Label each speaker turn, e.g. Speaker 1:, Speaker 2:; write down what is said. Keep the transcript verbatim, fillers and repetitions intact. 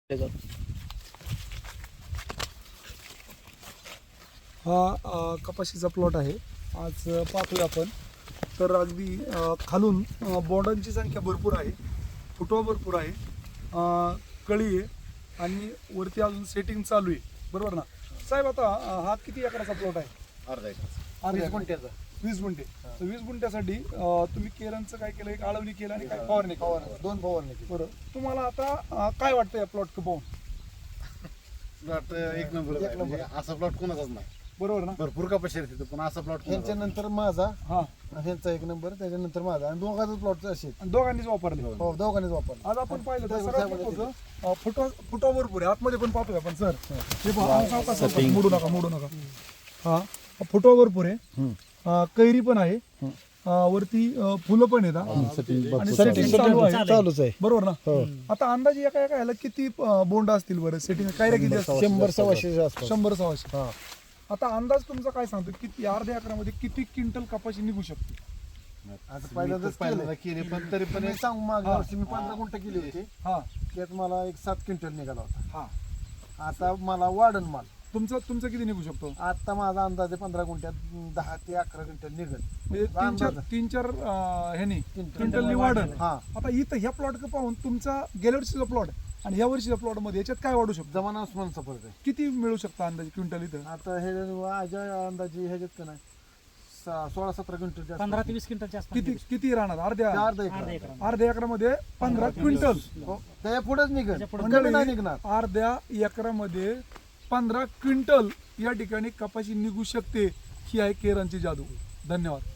Speaker 1: हा अ, कपाशीचा प्लॉट आहे. आज अ, पाहतोय आपण तर अगदी अ, खालून अ, बोंडांची संख्या भरपूर आहे, फुटवा भरपूर आहे, अ, कळी आहे आणि वरती अजून सेटिंग चालू आहे. बरोबर ना साहेब? आता अ, हा किती एकराचा प्लॉट आहे?
Speaker 2: अर्धा एकर.
Speaker 1: अर्धा
Speaker 2: वीस
Speaker 1: एकर.
Speaker 2: गुंठ्याचा.
Speaker 1: वीस गुंठे. तर वीस गुंठ्यासाठी अ, तुम्ही केरांचं काय केलं? एक आळवणी केलं आणि काय फवारणी केली?
Speaker 2: फवारणी, दोन फवारणी केली.
Speaker 1: बरं, तुम्हाला आता अ, काय वाटतं या प्लॉट पाहून?
Speaker 2: प्लॉट एक नंबर आहे. म्हणजे असा प्लॉट कोणाचाच नाही.
Speaker 1: बरोबर ना?
Speaker 2: भरपूर कपाशी आहे तिथं, पण असा प्लॉट
Speaker 3: ह्यांच्यानंतर माझा,
Speaker 1: हा,
Speaker 3: ह्यांचा एक नंबर, त्याच्यानंतर माझा, आणि दोघांचा प्लॉट असे
Speaker 1: आणि दोघांनीच वापरले.
Speaker 3: हो, दोघांनीच वापरला.
Speaker 1: आज आपण पाहिलं तर
Speaker 3: त्या
Speaker 1: सगळ्यात
Speaker 3: वर्षामध्ये
Speaker 1: महत्त्वाचं, अ, फुटवा फुटवा भरपूर आहे. आतमध्ये पण पाहतोय आपण सर. हे पहा, आणि सावकाश सावकाश, मोडू नका मोडू नका. हा, फुटवा भरपूर आहे, अ, कैरी पण आहे, अ, वरती अ, फुलं पण आहेत, हा. आणि सेटिंग चालू आहे.
Speaker 3: चालूच आहे.
Speaker 1: बरोबर ना? आता अंदाजे एका एका ह्याला किती अ, बोंड असतील बरं? सेटिंग काय रे किती असतील?
Speaker 3: शंभर सव्वाशे आसपास.
Speaker 1: शंभर सव्वाशे. आता अंदाज तुमचा काय सांगतो, किती अर्ध्या एकरामध्ये किती क्विंटल कपाशी निघू शकते?
Speaker 3: आता पहिल्यांदाच
Speaker 2: पहिल्यांदा केली, पण तरी पण
Speaker 3: मी
Speaker 2: एक
Speaker 3: सांगू, मागल्या वर्षी मी पंधरा गुंठ केली होती,
Speaker 1: हा
Speaker 3: त्यात मला एक सात क्विंटल निघाला होता.
Speaker 1: हा,
Speaker 3: आता मला वाढन माल.
Speaker 1: तुमचं तुमचं किती निघू शकतो?
Speaker 3: आता माझा अंदाज आहे पंधरा गुंठ्यात दहा ते अकरा क्विंटल निघत.
Speaker 1: म्हणजे तीन चार तीन चार अं, ह्यानी क्विंटल वाढन.
Speaker 3: हा,
Speaker 1: आता इथं ह्या प्लॉट पाहून तुमचा गेल्या वर्षीचा प्लॉट आणि ह्या वर्षीच्या प्लॉट मध्ये याच्यात काय वाढू शकतो?
Speaker 3: जमाना उस्मानचा फरक आहे.
Speaker 1: किती मिळू शकतं अंदाजे क्विंटल इथं?
Speaker 3: आता हे माझ्या अंदाजे ह्याच्यात का नाही सा- सोळा सतरा क्विंटल जास्त.
Speaker 4: पंधरा ते वीस क्विंटलच्या आसपास
Speaker 1: किती किती राहणार? अर्ध्या
Speaker 3: चार दहा
Speaker 4: अर्धा
Speaker 3: एकर.
Speaker 4: एकर.
Speaker 1: अर्ध्या एकरामध्ये पंधरा क्विंटल.
Speaker 3: हो, त्याच्या पुढेच निघत,
Speaker 4: त्याच्या पुढं
Speaker 3: कमी नाही निघणार.
Speaker 1: अर्ध्या एकरामध्ये पंधरा क्विंटल या ठिकाणी कपाशी निघू शकते. ही आहे केरांची जादू. धन्यवाद.